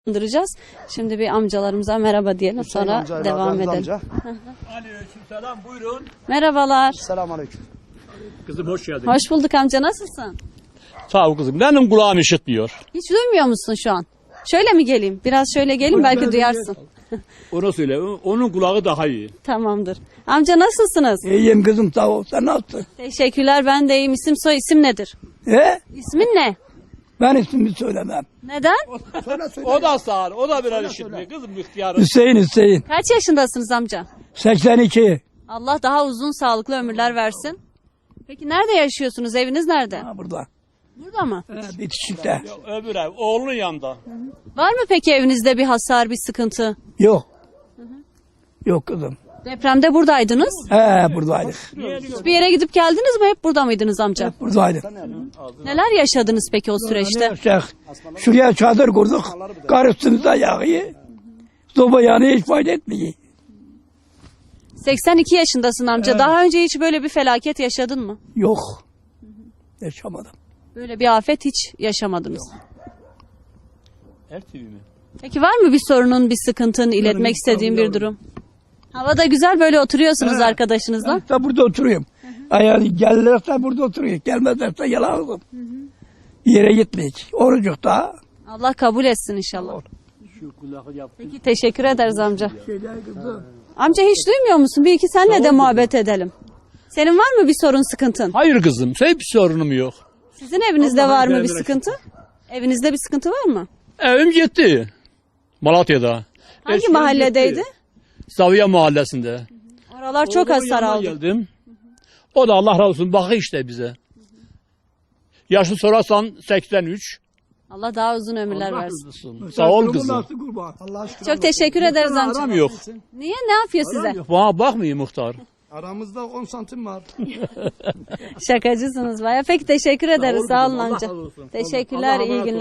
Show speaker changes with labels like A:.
A: Duracağız. Şimdi bir amcalarımıza merhaba diyelim, sonra devam edelim.
B: Aleykümselam, buyurun.
A: Merhabalar.
C: Selamünaleyküm.
B: Kızım hoş geldin.
A: Hoş bulduk amca, nasılsın?
B: Sağ ol kızım. Benim kulağım işitmiyor.
A: Hiç duymuyor musun şu an? Şöyle mi geleyim? Biraz şöyle gelin, belki duyarsın.
B: Onu söyle. Onun kulağı daha iyi.
A: Tamamdır. Amca nasılsınız?
C: İyiyim kızım, sağ ol. Sen nasılsın?
A: Teşekkürler, ben de iyiyim. İsim soy isim nedir? İsmin ne?
C: Ben ismimi söylemem.
A: Neden?
B: O da sağır. O da birer işitmiyor. Kızım ihtiyarı.
C: Hüseyin.
A: Kaç yaşındasınız amca?
C: 82.
A: Allah daha uzun sağlıklı ömürler versin. Peki nerede yaşıyorsunuz? Eviniz nerede?
C: Ha, burada.
A: Burada mı?
C: Bitişikte.
B: Öbür ev. Oğlunun yanında.
A: Var mı peki evinizde bir hasar, bir sıkıntı?
C: Yok. Yok kızım.
A: Depremde buradaydınız.
C: Buradaydık.
A: Bir yere gidip geldiniz mi? Hep burada mıydınız amca?
C: Buradaydık.
A: Neler yaşadınız peki o süreçte?
C: Şuraya çadır kurduk. Kar üstümüzde yağıyor. Soba yanıyor, hiç fayda etmiyor.
A: 82 yaşındasın amca. Daha önce hiç böyle bir felaket yaşadın mı?
C: Yok. Yaşamadım.
A: Böyle bir afet hiç yaşamadınız.
B: RTV mi?
A: Peki var mı bir sorunun, bir sıkıntın, iletmek istediğin bir durum? Hava da güzel, böyle oturuyorsunuz arkadaşınızla.
C: İşte burada oturuyorum. Yani gelirlerse burada oturuyor. Gelmezlerse yalan. Yere gitmeyecek. Orucuk da.
A: Allah kabul etsin inşallah.
B: Şu kulağı yap.
A: Peki teşekkür ederiz amca. Amca hiç duymuyor musun? Bir iki senle de muhabbet edelim. Senin var mı bir sorun, sıkıntın?
B: Hayır kızım. Hiçbir sorunum yok.
A: Sizin evinizde
B: Allah'ın
A: var mı bir
B: izniyle
A: sıkıntı? Evinizde bir sıkıntı var mı?
B: Evim gitti. Malatya'da.
A: Hangi
B: Eşim
A: mahalledeydi?
B: gitti. Zaviye mahallesinde.
A: Oralar çok
B: Oğlumun
A: hasar
B: yanına
A: aldı.
B: Geldim. O da Allah razı olsun bakı işte bize. Yaşı sorarsan 83.
A: Allah daha uzun ömürler
B: Allah
A: versin.
B: razı olsun. Sağ ol kızım.
C: Allah aşkına.
A: Çok teşekkür ederiz amca.
B: Aram yok.
A: Niye? Ne yapıyor size?
B: Bana bakmıyor muhtar.
C: Aramızda 10 santim var.
A: Şakacısınız baya. Peki teşekkür ederiz. Sağ olun
B: Allah
A: amca.
B: razı olsun.
A: Teşekkürler,
B: Allah'a
A: iyi
B: emanet
A: günler.